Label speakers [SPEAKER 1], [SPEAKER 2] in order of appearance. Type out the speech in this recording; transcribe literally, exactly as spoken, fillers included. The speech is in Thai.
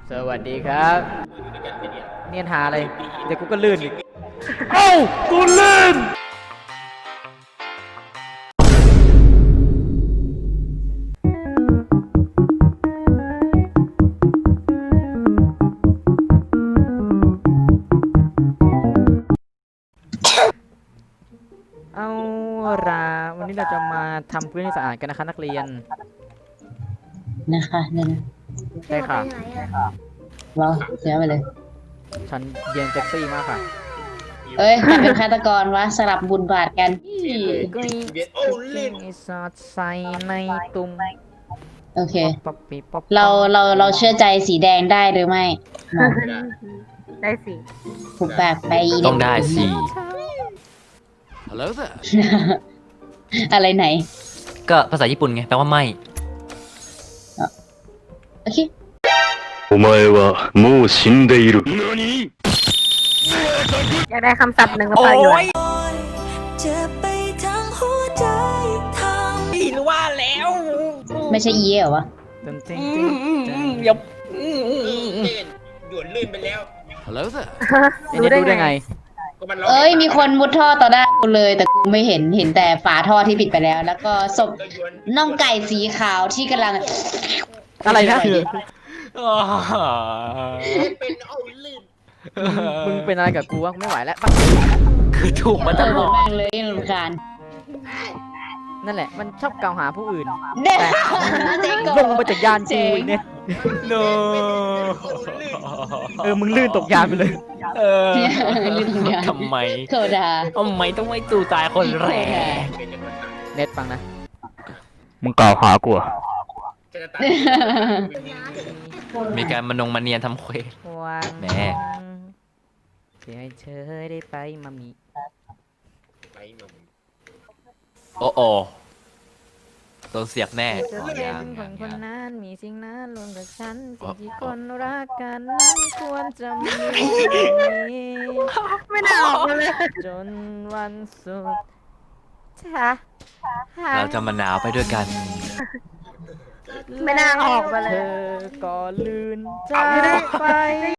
[SPEAKER 1] สวัสดีครับเนียนหาอะไรเดี๋ยวกูก็ลื่นอีกเอ้ากูลื่นเอาล่ะวันนี้เราจะมาทำพื้นให้สะอาดกันนะคะนักเรียน
[SPEAKER 2] นะคะเนี่ยนะ
[SPEAKER 1] ใช่ค่ะ
[SPEAKER 2] เราเสียไปเลย
[SPEAKER 1] ฉันเรียนเซ็กซี่มากค่ะ
[SPEAKER 2] เอ้ยใครเป็นฆาตกรวะสลับบุญบาทกัน
[SPEAKER 1] ก็ยิ่งสอดใส่ในตุ่ม
[SPEAKER 2] โอเค
[SPEAKER 1] ป๊อปปี้ป๊อป
[SPEAKER 2] เราเราเราเชื่อใจสีแดงได้หรือไม่มา
[SPEAKER 3] ได้สิ
[SPEAKER 2] ผูกปากไปอี
[SPEAKER 4] ต้องได้สิ
[SPEAKER 1] Hello there
[SPEAKER 2] อะไรไหน
[SPEAKER 4] ก็ภาษาญี่ปุ่นไงแปลว่าไม่
[SPEAKER 2] โอเค
[SPEAKER 5] お前はもう死んでいる。何
[SPEAKER 3] อยากได้คำศัพท์หนึ่งภาษาอยู่
[SPEAKER 2] ไม่ใช่อีเหรอวะ
[SPEAKER 1] ตึงตึง
[SPEAKER 4] เดี๋ยว
[SPEAKER 6] หยวนลื่นไปแล้ว
[SPEAKER 1] Hello there
[SPEAKER 3] รู้ได้
[SPEAKER 1] รู้ได้
[SPEAKER 3] ไง
[SPEAKER 1] ไง
[SPEAKER 6] ก็มันร้อง
[SPEAKER 2] เอ้ยมีคนมุดท่อต่อหน้ากูเลย แต่กูไม่เห็นเห็นแต่ฝาท่อที่ปิดไปแล้ว แล้วก็ศพ
[SPEAKER 6] ก็หยวน
[SPEAKER 2] น่องไก่สีขาวที่กำลัง
[SPEAKER 1] อะไรนะ
[SPEAKER 6] เป็นเอาลื่น
[SPEAKER 1] มึงเป็นอะไรกับกูวะไม่ไหวแล้ว
[SPEAKER 4] คือถูกมา
[SPEAKER 2] เอ
[SPEAKER 4] ต
[SPEAKER 2] อ
[SPEAKER 4] ลอด
[SPEAKER 2] แม่งเลยรำคาญ
[SPEAKER 1] นั่นแหละมันชอบกล่าวหาผู้อื่น
[SPEAKER 2] เด็ก
[SPEAKER 1] แต่
[SPEAKER 2] เจ๊ก่อน
[SPEAKER 1] ลงมาจากยานกูอีกเนี่ย
[SPEAKER 4] โน
[SPEAKER 1] เออมึงลื่นตกยานไปเลย
[SPEAKER 4] เออ
[SPEAKER 2] ลืมอย่าง
[SPEAKER 4] ทำไม
[SPEAKER 2] โคดา
[SPEAKER 4] ทำไมต้องไม่ตู่ตายคนแรก
[SPEAKER 1] เน็ตฟังนะ
[SPEAKER 5] มึงกล่าวหากูอะ
[SPEAKER 6] จะตัด
[SPEAKER 4] มีการมานงมาเนียนทำเควส
[SPEAKER 1] วัน
[SPEAKER 4] แหม่
[SPEAKER 1] ที่ให้เธอได้ไปมามี
[SPEAKER 6] ไปมึง
[SPEAKER 4] โอ้โอโดนเสียบแน่
[SPEAKER 1] จะ
[SPEAKER 4] อ๋อ
[SPEAKER 1] เป็
[SPEAKER 4] ยั
[SPEAKER 1] น
[SPEAKER 4] ง
[SPEAKER 1] ค
[SPEAKER 4] ยั
[SPEAKER 1] น
[SPEAKER 4] ง
[SPEAKER 1] คน
[SPEAKER 4] ยัง
[SPEAKER 1] นั้นมีสิ่งนั้นรวมกับฉัน
[SPEAKER 4] อ๋
[SPEAKER 1] สิ่
[SPEAKER 4] อง
[SPEAKER 1] ที่คนรักกันนั้นควรจะมีแบบนี้
[SPEAKER 3] ไม่น่าออกมาเลย
[SPEAKER 1] จนวันสุดท้าย
[SPEAKER 4] เราจะมาหนาวไปด้วยกัน
[SPEAKER 3] ไม่น่าออกมาเล
[SPEAKER 1] เธ
[SPEAKER 3] ย
[SPEAKER 1] อก็ลืนจากไป
[SPEAKER 3] ได้